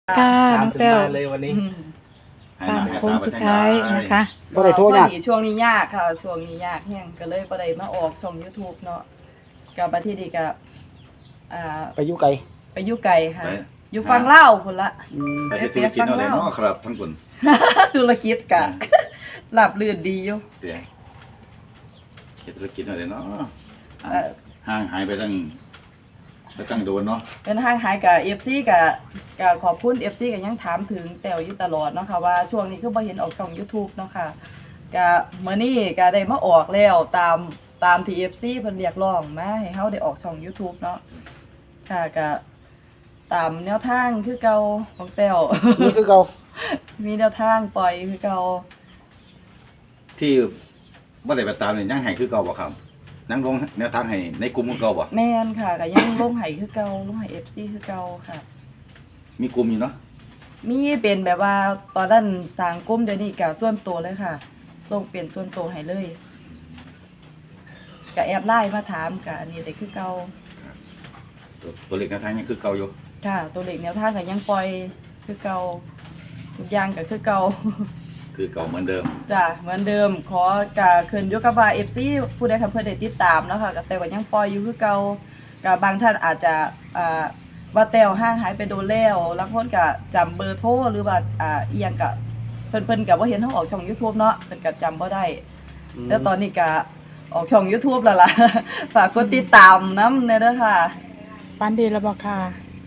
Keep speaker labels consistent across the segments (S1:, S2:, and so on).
S1: ค่ะน้องแต้ว
S2: ตามถึงบ้านเลยวันนี้
S1: ตามโค้งสุดท้ายนะคะ
S3: บ่ได้โทรยาก
S4: พอดีช่วงนี้ยากค่ะช่วงนี้ยากแฮงก็เลยบ่ได้มาออกช่อง YouTube เนาะก็บัดทีนี้ก็
S3: ไปอยู่ไกล
S4: ไปอยู่ไกลค่ะ
S5: ไป
S4: อยู่ฝั่งลาวพุ่นละ
S5: ไปเฮ็ดธุรกิจอะไรเนาะครับทั้งคน
S4: ธุรกิจก็ราบรื่นดีอยู่
S5: เดี๋ยวเฮ็ดธุรกิจอะไรเนาะ
S4: เอ่อ
S5: ห่างหายไปตั้งโดนเนาะ
S4: เป็นห่างหายกับ FC ก็ขอบคุณ FC ก็ยังถามถึงแต้วอยู่ตลอดเนาะค่ะว่าช่วงนี้คือบ่เห็นออกช่อง YouTube เนาะค่ะก็มื้อนี้ก็ได้มาออกแล้วตามที่ FC เพิ่นเรียกร้องมาให้เฮาได้ออกช่อง YouTube เนาะค่ะก็ตามแนวทางคือเก่าของแต้ว
S3: นี่คือเก่า
S4: มีแนวทางปล่อยคือเก่า
S5: ที่บ่ได้ไปตามนี่ยังให้คือเก่าบ่ครับนั่งลงแนวทางให้ในกลุ่มของเก่าบ่
S4: แม่นค่ะก็ยังลงให้คือเก่าลงให้ FC คือเก่าค่ะ
S5: มีกลุ่มอยู่เนาะ
S4: มีเป็นแบบว่าตอนนั้นสร้างกลุ่มเดี๋ยวนี้ก็ส่วนตัวเลยค่ะส่งเป็นส่วนตัวให้เลยก็แอดไลน์มาถามก็อันนี้ได้คือเก่า
S5: ตัวเลขแนวทางยังคือเก่าอยู่
S4: ค่ะ ตัวเลขแนวทางก็ยังปล่อยคือเก่าทุกอย่างก็คือเก่า
S5: คือเก่าเหมือนเดิม
S4: จ้ะเหมือนเดิมขอกะขึ้นอยู่กับว่า FC ผู้ใดค่ะเพิ่นได้ติดตามเนาะค่ะก็แต่ก็ยังปล่อยอยู่คือเก่าก็บางท่านอาจจะว่าแต้วห่างหายไปโดนแล้วบางคนก็จำเบอร์โทรหรือว่าอีหยังก็เพิ่นก็บ่เห็นเฮาออกช่อง YouTube เนาะเพิ่นก็จำบ่ได้แต่ตอนนี้ก็ออกช่อง YouTube แล้วล่ะ ฝากกดติดตามนำเด้อค่ะ
S1: ปันดีแล้วบอกค่ะ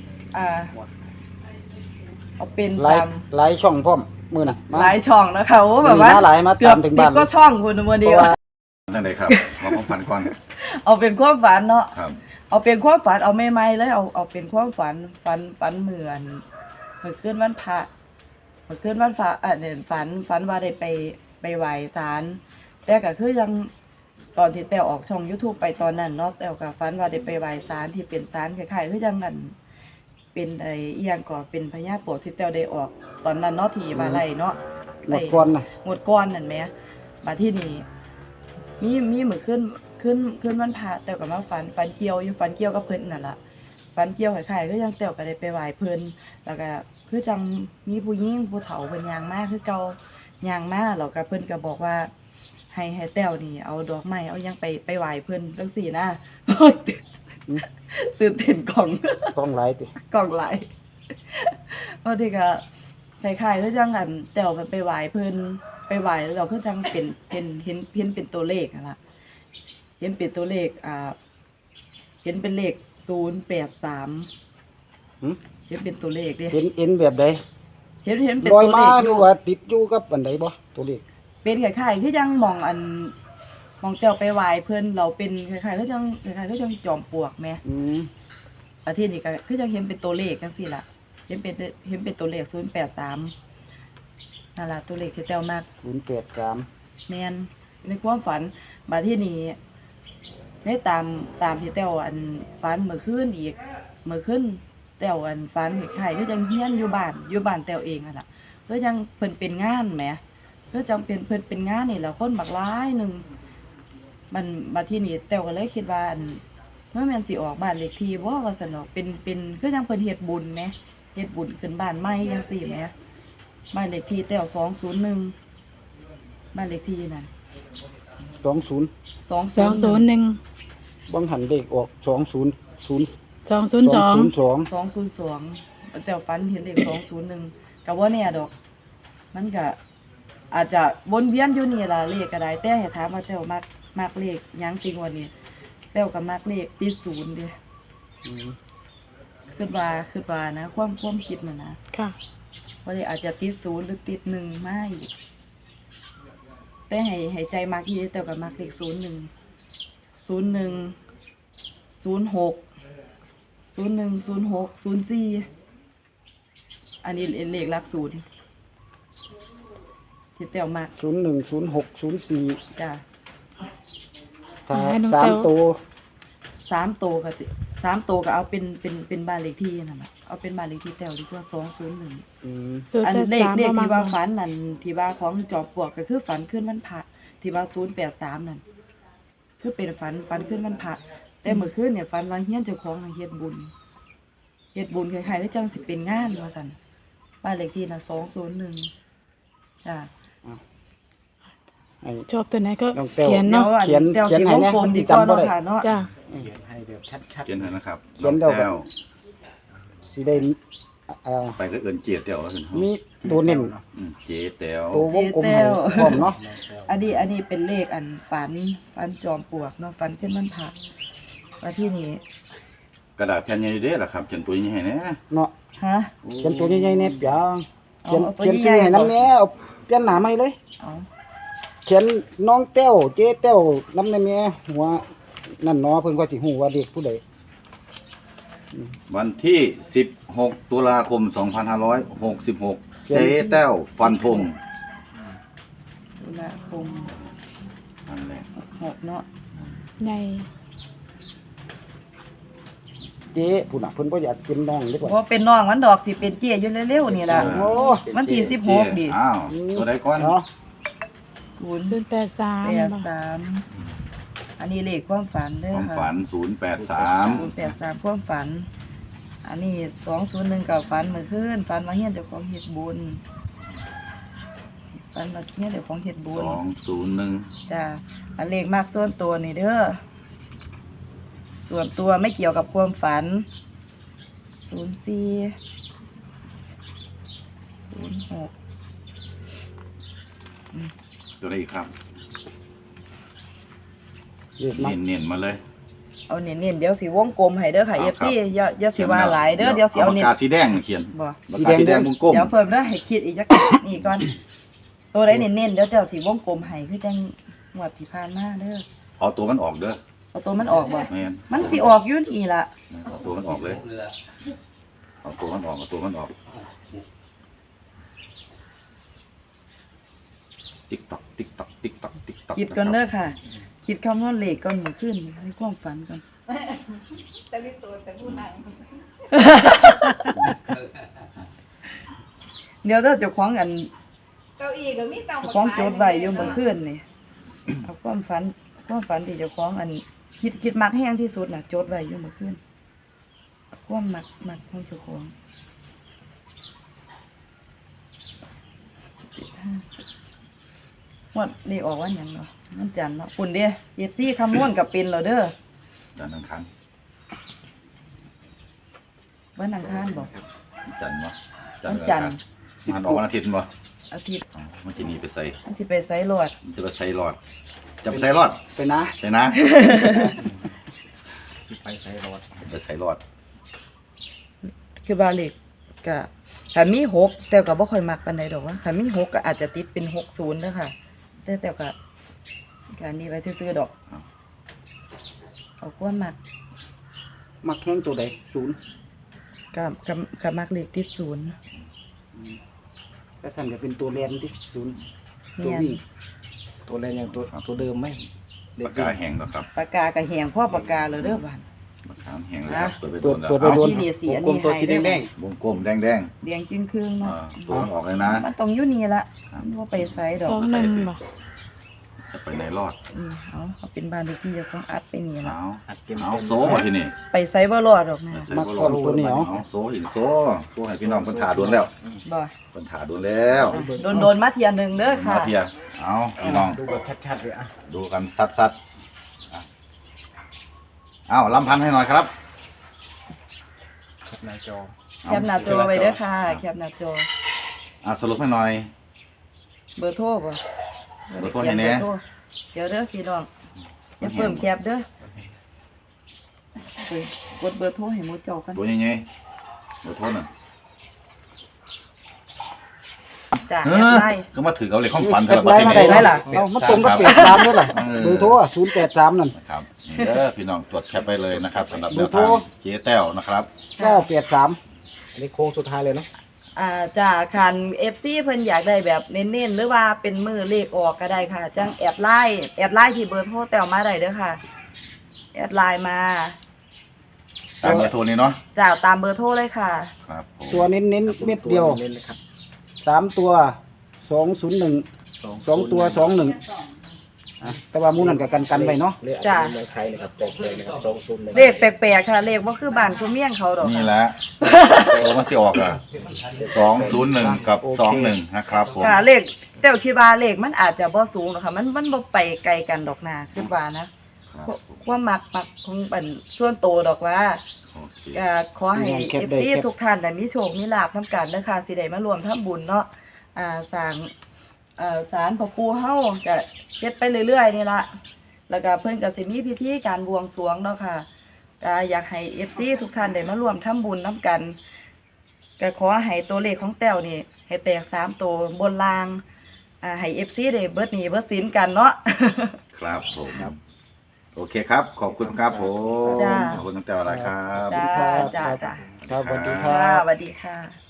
S4: เอาเป็น
S3: หลาย
S4: ตาม
S3: หลายช่องพร้อมมื้อน่ะมา
S4: หลายช่องนะคะโอ้แบบว่า
S3: มีหลายมา
S4: เกือบ
S3: ตามถึง
S4: 10
S3: บ้าน
S4: ก็ช่องคุณมื้อ
S3: เพ
S4: เดีย
S3: ราะ
S4: ว
S3: ว่า
S5: ตั้งใดครับมาของพันก่อน
S4: เอาเป็นความฝันเนาะ
S5: ครับ
S4: เอาเป็นความฝันเอาใหม่ๆเลยเอาเป็นความฝันเหมือนเมื่อคืนวันพระเมื่อคืนวันพระเนี่ยฝันว่าได้ไปไหว้ศาลแต่ก็คือยังตอนที่แต้วออกช่อง YouTube ไปตอนนั้นเนาะแต้วก็ฝันว่าได้ไปไหว้ศาลที่เป็นศาลคล้ายๆคือจังนั้นเป็นไอ้อีหยังก็เป็นพญาโปกที่แต้วได้ออกตอนนั้นเนาะที่ว่าไร่เนาะ
S3: หมดก่อนน่ะ
S4: หมดก้อนนั่นแหมบัดที่นี่มีมื้อขึ้นวันพระแต้วก็มาฝันเกี่ยวอยู่ฝันเกี่ยวกับเพิ่นนั่นล่ะฝันเกี่ยวคล้ายๆคือจังแต้วก็ได้ไปไหว้เพิ่นแล้วก็คือจังมีผู้หญิงผู้เฒ่าเพิ่นย่างมาคือเก่าย่างมาแล้วก็เพิ่นก็บอกว่าให้แต้วนี่เอาดอกไม้เอาหยังไปไหว้เพิ่นจังซี่นะ ตื่นเต้นกล่อง
S3: กล้องหลายติ
S4: กล่องหลายบางทีก็คล้ายๆคือจังอันแต้วมันไปไหว้เพิ่นไปไหว้แล้วเราคือจังเป็นเห็นเป็นตัวเลขนั่นล่ะเห็นเป็นตัวเลขเห็นเป็นเลข083
S3: หึ
S4: เห็นเป็นตัวเลขเด้
S3: เห็นแบบใด
S4: เห็นเป็น
S3: ลอย
S4: ตัว
S3: มา
S4: เลข
S3: หรือว่าติดอยู่กับอันใดบ่ตัวเลข
S4: เป็นคล้ายๆคือจังมองแต้วไปไหว้เพิ่นเราเป็นคล้ายๆคือจังจอมปลวกแหม อาทิตย์นี้ก็คือจะเห็นเป็นตัวเลขจังซี่ล่ะเห็นเป็นตัวเลข083นั่นล่ะตัวเลขที่แต้วมาก
S3: 083
S4: แม่นในความฝันบัดที่นี้ได้ตามที่แต้วฝันเมื่อคืนอีกเมื่อคืนแต้วฝันคล้ายๆคือจังเฮียนอยู่บ้านแต้วเองนั่นล่ะคือจังเพิ่นเป็นงานแหมคือจังเป็นเพิ่นเป็นงานนี่แหละคนบักหลายหนึงมันบัดที่นี้แต้วก็เลยคิดว่าเมื่อแม่นสิออกบ้านเลขที่บ่ว่าซั่นดอกเป็นคือจังเพิ่นเฮ็ดบุญแหมเฮ็ดบุญขึ้นบ้านใหม่จังซี่แหมบ้านเลขที่แต้ว201บ้านเลขที่นั่น
S3: 20
S1: 201
S3: บางหันเลขออก20
S1: 202
S4: 202แต่ฝันเห็นเลข201ก็บ่แน่ดอก มันก็อาจจะวนเวียนอยู่นี่ล่ะเลขก็ได้แต่ให้ถามว่าแต้วมักเลขหยังจริงวันนี้แต้วก็มักเลขติด0เด้คิดว่านะความคิดน่ะนะ
S1: ค่ะ
S4: เพราะเลยอาจจะติด0หรือติด1มาอีกแต่ให้ใจมักอีแต้วก็มักเลข01 06 อันนี้เลขหลัก0ที่แต้วมัก
S3: 010604
S4: จ้ะ
S3: ถ้า
S1: ให้น้อง
S3: สาม
S1: แต้ว
S3: ตัว
S4: 3ตัวก็3ตัวก็เอาเป็นบ้านเลขที่นั่นน่ะเอาเป็นบ้านเลขที่แต้วดีกว่า201
S3: อืม
S4: อันเลข
S1: 083
S4: ที่ว่าฝันนั่นที่ว่าของจอมปลวกก็คือฝันขึ้นวันพระที่ว่า083นั่นคือเป็นฝันขึ้นวันพระแต่เมื่อคืนเนี่ยฝันว่าเฮียนเจ้าของน่ะเฮ็ดบุญคล้ายๆคือจังสิเป็นงานว่าซั่นบ้านเลขที่น่ะ201จ้ะ
S3: ให้
S1: ชอบตัวไหนก็
S3: น้องแต้ว
S1: เขียน
S4: เดี๋ย
S1: เนาะ
S4: วอัน
S3: เขียน
S4: เดี๋ยว
S3: เขียน
S4: สิ
S3: ให้
S4: วง
S3: แน่
S4: กลม
S3: มัน
S4: ดี
S3: สิ
S4: กว่า
S3: จำบ่
S4: เนาะ
S3: ได้
S4: ค่ะเนาะ
S1: จ้า
S3: เขียนให้แบบชัด
S5: เขียนให้นะครับ
S3: เขียนเดี๋ยว
S5: น้องแต้ว
S3: ๆสิได้า
S5: ไปก็เอิ้นเจียแต้วแล้วกัน
S3: มีตัวเน้น
S5: เจแต้ว
S3: ตัววงกลมให้พร้อมเนาะ
S4: อันนี้เป็นเลขอันฝันจอมปลวกเนาะฝันขึ้นมันผักว่าที่นี่
S5: กระดาษแผ่นใหญ่เด้อล่ะครับเขียนตัวนี้ให้แน่
S3: เนาะ
S4: ฮะ
S3: เขียนตัวใหญ่ๆแน่เปียงเขียน
S4: เอาตัว
S3: เขียน
S4: ใหญ่
S3: ชื่อให้
S4: ๆ
S3: น้ำแน่เอาเปลี่ยนหน้าใหม่เลย
S4: เอา
S3: เขียนน้องแต้วเจ๊แต้วน้ำในแม่หัวนั่นเนาะเพิ่นก็สิฮู้ว่าเด็กผู้ใด
S5: วันที่ 16 ตุลาคม 2566 เจแต้วฟันธง
S4: ตุลาคม
S5: นั่นแหละ
S4: 6เนาะ
S1: ใหญ่
S3: เจ๊ผู้น่ะเพิ่นบ่อยากเป็นน้องเด้อ
S4: เพ
S3: ก่อน
S4: ราะเป็นน้องมันดอกสิเป็นเจี้ยอยู่เร็วๆนี่ล่ะ
S3: โอ้
S4: วันที่
S5: เจ๊
S4: 16ดิ
S5: อ้าวตัวใดก่อน
S3: เนาะ
S1: 083
S4: 083อันนี้เลขความฝันเด้อ
S5: ความ
S4: ค่ะ
S5: ฝัน
S4: 083ความฝัน อันนี้201กับฝันเมื่อคืนฝันว่าเฮียนเจ้าของเฮ็ดบุญฝันว่าเฮียนเจ้าของเฮ็ดบุญ
S5: 080 201
S4: จ้ะอันเลขมากส่วนตัวนี่เด้อส่วนตัวไม่เกี่ยวกับความฝัน04 06
S5: ตัวใดอีกครับ
S3: เรียกมา
S5: เน้นๆมาเลย
S4: เอาเน้นๆเดี๋ยวสิวงกลมให้เด้อค่ะ
S5: ครับ
S4: FC อย่าสิว่าหลายเด้อเดี๋ยวสิเอา
S5: ปาก
S4: เน้น
S5: กาสีแดงเขียน
S4: บ่
S5: ปากกาสีแดงวงกลม
S4: เดี๋ยวเพิ่มเด้อให้คิดอีกจัก นี่ก่อน ตัวใดเน้นๆเดี๋ยวเจ้าสิวงกลมให้คือจังงวดที่ผ่านมาเด้อ
S5: เอาตัวมันออกเด้อ
S4: เอาตัวมันออกบ่
S5: แม่น
S4: มันสิออกอยู่นี่ล่ะ
S5: เอาตัวมันออกเลยเอาตัวมันออกเอาตัวมันออกติ๊กตอกติ๊กตอกติ๊กตอกติ๊กตอก
S4: คิดก่อนเด้อค่ะ คิดคำนวณเลขก่อนมื้อคืนนี่ให้ความฝันก่อน
S2: แต่ลิตัวแต่ผู้นั่ง
S4: เดี๋ยวเด้อเจ้าของอัน
S2: เก้าอี้ก็มีตัง
S4: เจ้าของโจทย์ไว้อยู่เมื่อคืนนี่เอาความฝันที่เจ้าของอันคิดมักแห้งที่สุดน่ะโจทย์ไว้อยู่เมื่อคืนความมักของเจ้าของวันนี้ออกวันหยังเนาะวันจันทร์เนาะปุ่นเด้อ FC คำนวณกับเป็นแล้วเด้อ
S5: จันทร์อังคาร
S4: วันอังคารบ่
S5: จันทร์วะ
S4: วันจันทร์
S5: มันออกวันอาทิตย์บ่
S4: อาทิตย์
S5: อ๋อมันจะหนีไปใส่
S4: มันสิไปไสรอด
S5: มันจะไปใส่รอด จะไปใส่รอด
S3: ไปนะ
S5: ใช่นะ
S3: ไปใส่รถ
S5: จะใส่รอด
S4: คือบาเล็กก็ถ้ามี6แต่ก็บ่ค่อยมักปานใดดอกว่าถ้ามี6ก็อาจจะติดเป็น60เด้อค่ะ แต่ก็อันนี้ไว้ซื่อๆดอก เอาความมัก
S3: มักแข้งตัวใดศูนย์
S4: ก็มักเลขติด0
S3: ก็สั่นจะเป็นตัวแลนที่ศูนย์
S4: แม่น
S3: ตัวแลนอย่างตัวเดิมไหม
S5: ปากกาแห้งแล้วครับ
S4: ปากกาก็แหงพ่อปากกาแล้วเด้อบ้าน
S5: ปากกาแห้งแล้วครับเปิดไปโด
S3: เปิด
S5: นแล้ว
S3: เปิดไปโดน
S4: ที่นี่สีอัน
S3: กล
S4: นี้
S3: มตัวสี
S4: ให้
S3: แดง
S5: วงกลมแดง
S4: เดียงจึงครึ่ง
S5: ๆ
S4: เนาะ
S5: ตัวมันออกเลยนะ
S4: มันต้องอยู่นี่ละมันบ่ไปไสดอก
S1: 21บ่
S5: จะไปไหนรอด
S4: เอาเป็นบ้านเลขที่เจ้าของอัดไปนี่ละ
S5: เอาโซ่มาที่นี่
S4: ไปไสบ่รอดดอกนะ
S5: ใส่บ่รอดเอาโซ่หินโซ่ให้พี่น้องเพิ่นถ่าโดนแล้ว
S4: บ่
S5: เพิ่นถ่าโดนแล้ว
S4: โดนมาเที่ยหนึงเด้อค่ะ
S5: มาเทียเอาพี่น้อง
S3: ดูแบบชัดๆเลยอ่ะ
S5: ดูกันซัดๆอ่ะเอาลำพันให้หน่อยครับ
S3: หน้าจอ
S4: แคปหน้าจอไว้เด้อค่ะแคปหน้าจอ
S5: สรุปให้หน่อย
S4: เบอร์โทรบ่
S5: เบอร์โทรให้แน่
S4: เบอร์โทรเดี๋ยวเด้อพี่น้องอย่าเพิ่มแคปเด้อเฮ้ยกดเบอร์โทรให้หมู่เจ้ากัน
S5: ตัวใหญ่ๆเบอร์โทรน่ะ
S4: จ้ะ
S5: เอ
S4: แอ
S5: อ
S4: ดไลน์
S5: คือมาถือเอาเลยของฝัน
S3: แอ
S5: แต่
S3: ด
S5: ละ
S3: ไล
S5: ประ
S3: น์
S5: เทศ
S3: มาได้
S5: นี้
S3: ไหมล่ะเอามาตรงกับ83ด้วยล่ะเบอร์โทร083นั่น
S5: นะครับนี่เด้อพี่น้องตรวจแคปไปเลยนะครับสำหรับแนว
S3: เบอร์โทร
S5: ทางเจ๊แต้วนะครับ
S3: 983อันนี้โค้งสุดท้ายเลยเนาะ
S4: จากคัน FC เพิ่นอยากได้แบบเน้นๆหรือว่าเป็นมือเลขออกก็ได้ค่ะ จังแอดไลน์ที่เบอร์โทรแต้วมาได้เด้อค่ะ แอดไลน์มา
S5: ตามเบอร์โทรนี้เนาะ
S4: จ้าตามเบอร์โทรเลยค่ะ
S5: ครับผม
S3: ตัวเน้นเม็ดเดียว3ตัว201 2ตัว21 แต่ว่าหมู่นั้นก็กันไว้เนาะ
S4: จ้ะ
S6: เมืองไทยนะครับบอกเลยนะครับ201
S4: เลขแปลกๆค่ะเลขบ่คือบ้านคือเมี่ยงเขาดอก
S5: นี่แหละโอ้มันสิออกอ่ะ201กับ21นะครับผม
S4: ค่ะเลขแต่วคิดว่าเลขมันอาจจะบ่สูงหรอกค่ะมันบ่ไปไกลกันดอกนาคิดว่านะครับ ความมักของเป็นส่วนโตวดอกว่า
S5: โอเค
S4: ก็ขอให้ FC ทุกท่านได้มีโชคมีลาภนํกันเด้อค่ะสิได้มารวมทำบุญเนาะสร้างศาลพ่อปู่เฮาก็เฮ็ดไปเรื่อยๆนี่ล่ะแล้วก็เพิ่นก็สิมีพิธีการบวงสรวงเนาะค่ะก็อยากให้ FC ทุกท่านได้มารวมทำบุญนํกันก็ขอให้ตัวเลขของแต้วนี่ให้แตก3ตัวบนล่างให้ FC ได้เบิดหนี้เบิดสินกันเนาะ
S5: ครับผมโอเคครับ ขอบคุณครับผม
S4: จ้า
S5: ขอบคุณตั้งแต่เวลาครับ
S4: จ้าจ้าจ้า
S3: ครับสวัสดีค
S4: ค่ะ
S3: รับ
S4: สวัสดีค่ะ